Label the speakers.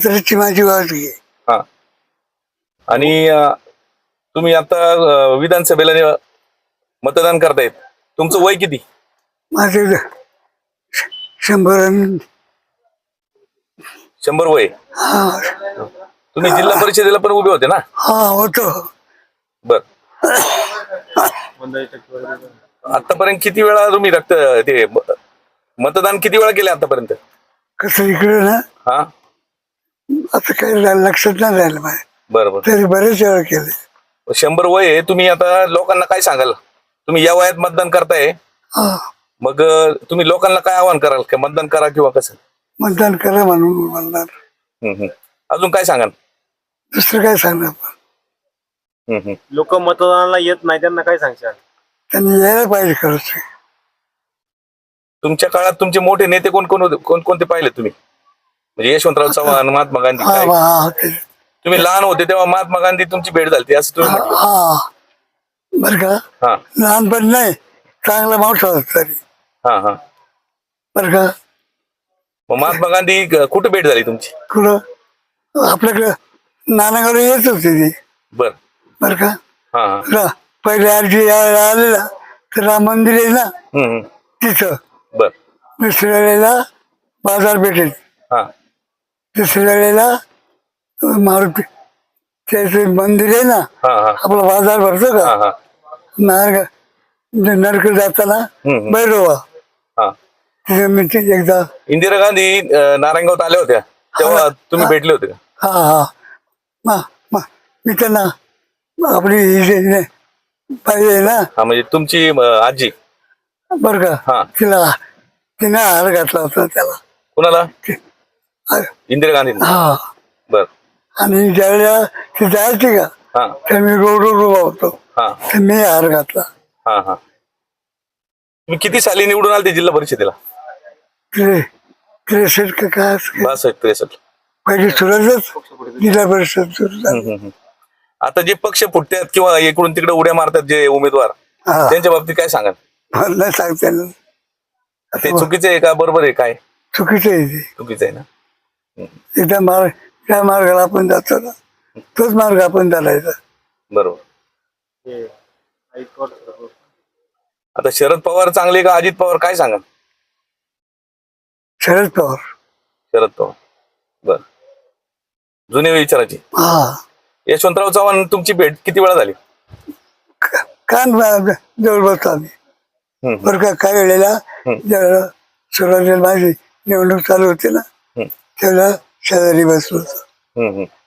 Speaker 1: म्हातारीची माझी वाजगी आहे.
Speaker 2: हा. आणि तुम्ही आता विधानसभेला मतदान करतायत. तुमचं वय किती?
Speaker 1: माझे 100
Speaker 2: 100 वय.
Speaker 1: हा
Speaker 2: तुम्ही जिल्हा परिषदेला पण उभे होते ना?
Speaker 1: हा होतो.
Speaker 2: बर. आतापर्यंत किती वेळा तुम्ही ते मतदान किती वेळा केले आतापर्यंत?
Speaker 1: कसं इकडे ना
Speaker 2: हा.
Speaker 1: आता काही लक्षात नाही राहिलं माझ्या.
Speaker 2: बरोबर.
Speaker 1: तरी बरेच वेळा केले.
Speaker 2: 100 वय आहे. तुम्ही आता लोकांना काय सांगाल? तुम्ही या वयात मतदान करताय,
Speaker 1: हा
Speaker 2: मग तुम्ही लोकांना काय आवाहन कराल? की मतदान करा किंवा कसं?
Speaker 1: मतदान करा म्हणून म्हणणार.
Speaker 2: अजून काय सांगाल?
Speaker 1: दुसरं काय सांगणार आपण.
Speaker 3: लोक मतदानाला येत नाही त्यांना काय सांगशाल?
Speaker 1: त्यांनी यायला पाहिजे खरंच.
Speaker 2: तुमच्या काळात तुमचे मोठे नेते कोण कोण होते? कोणकोणते पाहिले तुम्ही? म्हणजे यशवंतराव चव्हाण, महात्मा गांधी.
Speaker 1: हा
Speaker 2: काय?
Speaker 1: हा
Speaker 2: तुम्ही लहान होते तेव्हा महात्मा गांधी तुमची भेट झाली असं तुम्ही म्हटलं.
Speaker 1: हा बर का.
Speaker 2: हा
Speaker 1: लहानपण नाही, चांगला मोठा होता तरी.
Speaker 2: हा हा.
Speaker 1: बर का.
Speaker 2: मग महात्मा गांधी कुठे भेट झाली तुमची?
Speaker 1: कुठं आपल्याकडं नानागाव येत होते ते.
Speaker 2: बर.
Speaker 1: बर का.
Speaker 2: हा हा.
Speaker 1: पहिले आरजी आलेला तर राम मंदिर आहे ना तिथं.
Speaker 2: बर.
Speaker 1: दुसऱ्या वेळेला बाजार भेटेल.
Speaker 2: हा
Speaker 1: दुसऱ्या वेळेला मारुती त्याचे मंदिर आहे ना,
Speaker 2: हा हा
Speaker 1: आपला बाजार भरतो
Speaker 2: हा
Speaker 1: का
Speaker 2: हा
Speaker 1: नरक जाताना भैरवा
Speaker 2: हा.
Speaker 1: तिथे मी एकदा.
Speaker 2: इंदिरा गांधी नारायणगावात आल्या होत्या तेव्हा तुम्ही भेटले होते का?
Speaker 1: हा हा मी त्यांना आपली पाहिजे ना.
Speaker 2: हा म्हणजे तुमची आजी.
Speaker 1: बर
Speaker 2: हा.
Speaker 1: का. तिने हार घातला होता त्याला.
Speaker 2: कुणाला? इंदिरा गांधी.
Speaker 1: हा.
Speaker 2: बर.
Speaker 1: आणि ज्यावेळेला ती जायची का
Speaker 2: हा
Speaker 1: तर मी रोड उभा होतो.
Speaker 2: हा
Speaker 1: तर मी हार घातला.
Speaker 2: हा हा. तुम्ही किती साली निवडून आले जिल्हा परिषदेला?
Speaker 1: 63 का काय असं.
Speaker 2: 62-63.
Speaker 1: पहिली सुरुवातच जिल्हा परिषद सुरू झाली.
Speaker 2: आता जे पक्ष फुटतात किंवा इकडून तिकडे उड्या मारतात जे उमेदवार,
Speaker 1: हा.
Speaker 2: त्यांच्या बाबतीत काय सांगाल?
Speaker 1: मला नाही सांगता येणार.
Speaker 2: ते चुकीचं आहे का बरोबर आहे? काय
Speaker 1: चुकीचं आहे ते.
Speaker 2: चुकीचं आहे ना?
Speaker 1: एकदा त्या मार्गाला आपण जातो ना, तोच मार्ग आपण चालायचा.
Speaker 2: बरोबर. आता शरद पवार चांगले का अजित पवार, काय सांगा?
Speaker 1: शरद पवार.
Speaker 2: शरद पवार. बर. जुने विचाराची.
Speaker 1: हा.
Speaker 2: यशवंतराव चव्हाण तुमची भेट किती वेळा झाली?
Speaker 1: कान जवळ बसतो आम्ही. बरं का. काय वेळेला ज्यावेळेला सुरुवातीला माझी निवडणूक चालू होती ना, त्यावेळेला शेजारी बसलो होतो.